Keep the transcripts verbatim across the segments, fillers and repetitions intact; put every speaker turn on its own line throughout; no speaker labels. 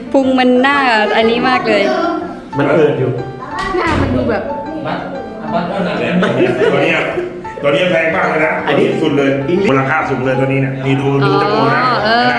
พุงมันหน้าอันนี้มากเลย
มันเอิดอยู่
หน้ามันดูแบบ
ตัวนี้ตัวนี้แพงมากเลยนะอันนี้สุดเลยมูลค่าสูงเลยตัวนี้เนี่ยนี่ดูดูจมูกนะ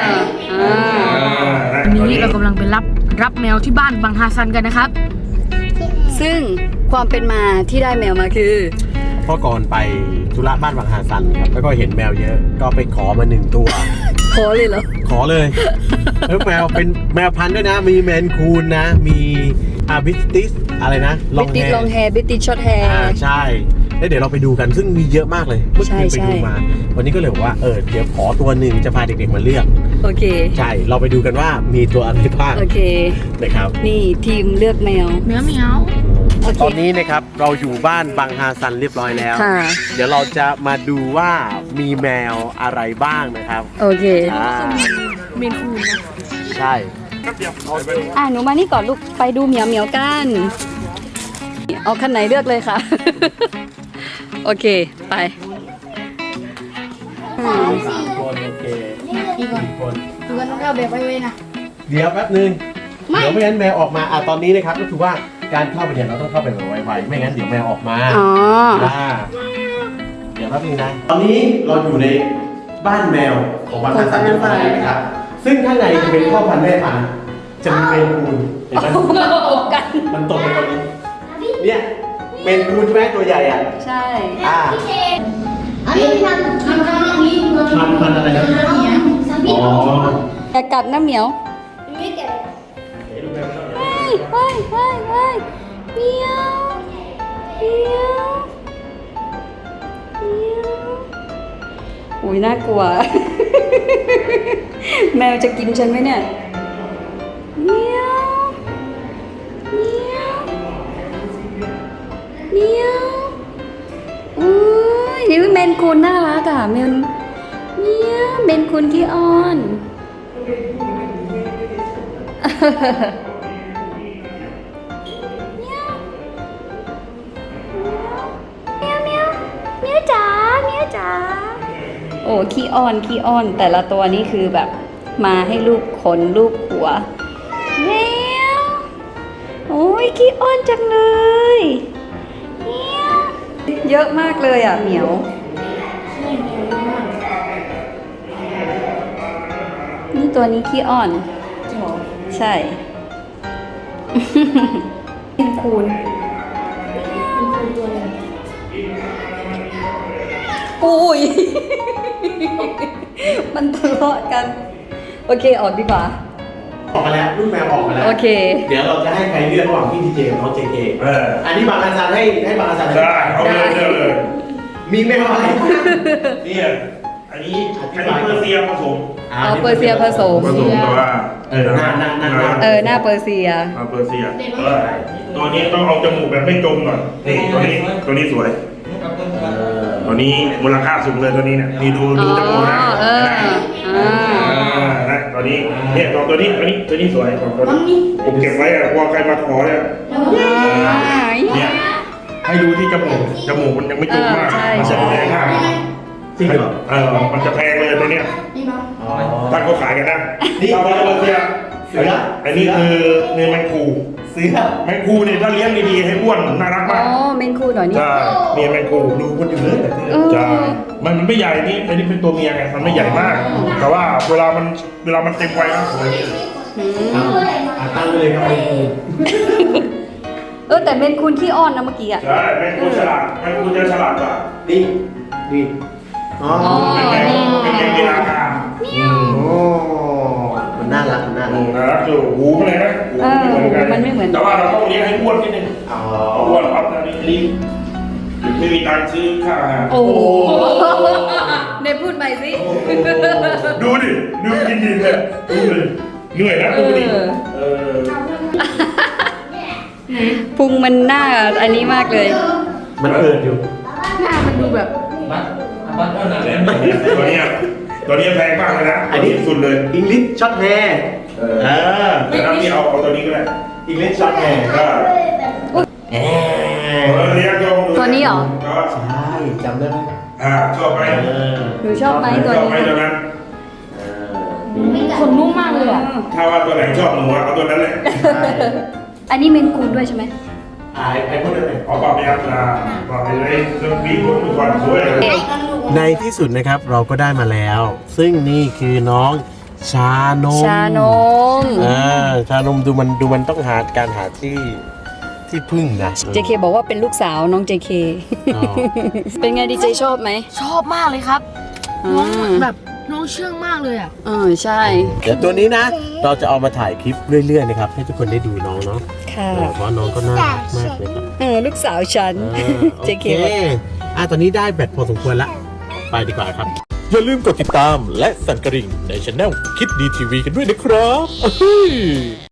วันนี้เรากำลังไปรับรับแมวที่บ้านบางฮาซันกันนะครับ
ซึ่งความเป็นมาที่ได้แมวมาคือ
เพราะก่อนไปธุระบ้านบางฮาซันครับแล้วก็เห็นแมวเยอะก็ไปขอมาหนึ่งตัว
ขอเลยเหรอ
ขอเลยแล้วแมวเป็นแมวพันธุ์ด้วยนะมีแมนคูนนะมีอาบิสติสอะไรนะ
ลองแฮร์ลองแฮร์บิสติสช็อตแฮร์
ใช่แล้วเดี๋ยวเราไปดูกันซึ่งมีเยอะมากเลยเมื่อคืนไปดูมาวันนี้ก็เลยบอกว่าเออเดี๋ยวขอตัวหนึ่งจะพาเด็กๆมาเลือก
โอเค
ใช่เราไปดูกันว่ามีตัวอะไรบ้าง
โอเค
นะครับ
นี่ทีมเลือกแมว
แมวแมว
ตอนนี้นะครับเราอยู่บ้านบางฮาซันเรียบร้อยแล้วเดี๋ยวเราจะมาดูว่ามีแมวอะไรบ้างนะครับ
โอเค
เมนคูนนะ
ใช่
อ่ะหนูมานี่ก่อนลูกไปดูเหมียวเหมียวกันเอาคันไหนเลือกเลยค่ะโอเคไป
สี่คนโอเค
สี่คนดูกันต้องเอาแบบไว้ๆนะ
เดี๋ยวแป๊บนึงเดี๋ยวไม่งั้นแมวออกมาอ่ะตอนนี้นะครับก็คือว่าการเข้าไปเนี่ยเราต้องเข้าไปแบบไวๆไม่งั้นเดี๋ยวแมวออกมา
อ๋อ
เดี๋ยวแป๊บนึงนะตอนนี้เราอยู่ในบ้านแมวของบางฮาซันเรียบร้อยนะครับซึ่งข้างในจะเป็นพ่อพันธุ์แม่พันธุ์จะมีเมนคูนเห็นไหมมันตกไปตรงนี้เนี่ยเมนคูนใช่ไหมตัวใหญ่อ่ะ
ใช่
อ่า
อันนี้พันพันพันนี้
พันพันอะไรนะอ๋อ
อย่ากัดนะเหมียว
ไม่แก่
เฮ้ยเฮ้ยเฮ้ยเฮ้ยเหมียวเหมียวเหมียวอุ้ยน่ากลัวแมวจะกินฉันไหมเนี่ยเหมียวเหมียวเหมียวอุ้ยนี่เมนคูนน่ารักอ่ะเมนเหมียวเมนคูนขี้อ้อนเมียวเมียวเมียวเมียวจ๋าเมียวจ๋าโอ้ขี้อ้อนขี้อ้อนแต่ละตัวนี้คือแบบมาให้ลูกขนลูกหัวเมียวโอ้ยขี้อ้อนจังเลยเมียวเยอะมากเลยอ่ะเหมียวนี่ตัวนี้ขี้อ้อนใช่เป็นคูนอุ้ยมันทะเลาะกันโอเคออกดีกว่า
ออกมาแล้วลูกแมวออกมาแล้ว
โอเค
เดี๋ยวเราจะให้ใครเลือกระหว่างพี่ทีเจกับน้องเจเคเอออันนี้บางฮาซันให้ให้บางฮาซัน
ได้เอาเลยเลือกเลย
มีแมวอะไร
นี่อันนี้อันนี้เปอร์เซียผสม
เอาเปอร์เซียผสม
ผสมแต่ว่า
เออหน้าหน้าหน้า
เออหน้าเปอร์เซีย
เอาเปอร์เซียตัวนี้ต้องเอาจมูกแบบไม่จมหน่อยนี่ตัวนี้ตัวนี้สวยตัวนี้มูลค่าสูงเลยตัวนี้เนี่ยนี่ดูดูจมูกนะตัวนี้เนี่ยตัวตัวนี้ตัวนี้ตัวนี้สวยตัวนี้ผมเก็บไว้อะกลัวใครมาขอเนี่ยเนี่ยให้ดูที่จมูกจมูกมันยังไม่จุกมากมันจะแพงมาก
จริงเหรอ
เออมันจะแพงเลยตัวเนี้ยถ้าเขาขายกันนะนี่เราเราเทียบเสืออันนี้คือเนื้อแมงคู
เสือ
แมงคูเนี่ยถ้าเลี้ยงดีๆให้อ้วนน่ารักมาก
อ๋อแมงคูหน่อยนี่
ใช่เมียแมงคูดูคนอื่นเลยใช่มันมันไม่ใหญ่นี่อันนี้เป็นตัวเมียไงมันไม่ใหญ่มากแต่ว่าเวลามันเวลามันเต็มวัยนะสวย
ตั้งเลยครับแมงคู
เออแต่แมงคูขี้อ้อนนะเมื่อกี้อ่ะ
ใช่แมงคูฉลาดแมงคูจะฉลาดกว่า
นี่นี่อ๋อ
เป็นแมงเป็นแมงกีฬากา
โอ้มันน่ารักมันน่ารัก
น่ารักอยู่หูเลยนะ
มันไม่เหมือน
แต่ว่าเราต้องเลี้ยงให้อ้วนนิดนึงอ๋ออ้วนปั๊บนะนี่รีบไม่มีตังค์ซื้อข้าวอาหาร
โอ้เนพูดใหม่สิ
ดูดิดูกินดีเลยดูเลยเหนื่อยนะดูดิเออ
พุงมันหน้าอันนี้มากเลย
มันเอิดอยู่
หน้ามันดูแบบ
ตัวนี้ตัวนี้แพงมากเลยนะอันนี้สุดเลย
อิงลิชช็อตแฮร์
เออแล้วนี่เอาเอาตัวนี้ก็ได้
อิงลิชช็อตแฮร์
ก็เออเลี้ยง
ตัวนี้เหรอ
ใช่จำได้ไหม
อ่าชอบไหม
หนูชอบไหมตัวนี้
ชอบไหมตัวนั้น
ขนนุ่มมากเลยอ่ะ
ถ้าว่าตัวไหนชอบหนูอะเอาตัวนั้นแหละ
อันนี้เมนคูนด้วยใช่ไหม
ไอ้ไอ้พวกนั้นเลย
เอาปรับไปครับนะปรับไปเลยเรื่องบีบคนก่อนสวยเลย
ในที่สุดนะครับเราก็ได้มาแล้ว ซึ่งนี่คือน้องชานม
ชานม
อ่าชานมดูมันดูมันต้องหาการหาที่ที่พึ่งนะ
เจเคบอกว่าเป็นลูกสาวน้องเจเค
อ๋อ
เป็นไงดีเจชอบไหม
ชอบมากเลยครับ
อ่า
น้องแบบน้องเชื่องมากเลยอ่ะ
เออใช่
เดี๋ยวตัวนี้นะ เราจะเอามาถ่ายคลิปเรื่อยๆนะครับให้ทุกคนได้ดูน้องเนาะ
ค่ะ
เออเพราะน้องก็น่ารักมากเลยครับ
เออลูกสาวฉัน
เออ
เจ
โอ
เค
เคอ่ะตอนนี้ได้แบตพอสมควรละไปดีกว่าครับ
อย่าลืมกดติดตามและสั่นกระดิ่งในช anel คิดดีทีวีกันด้วยนะครับ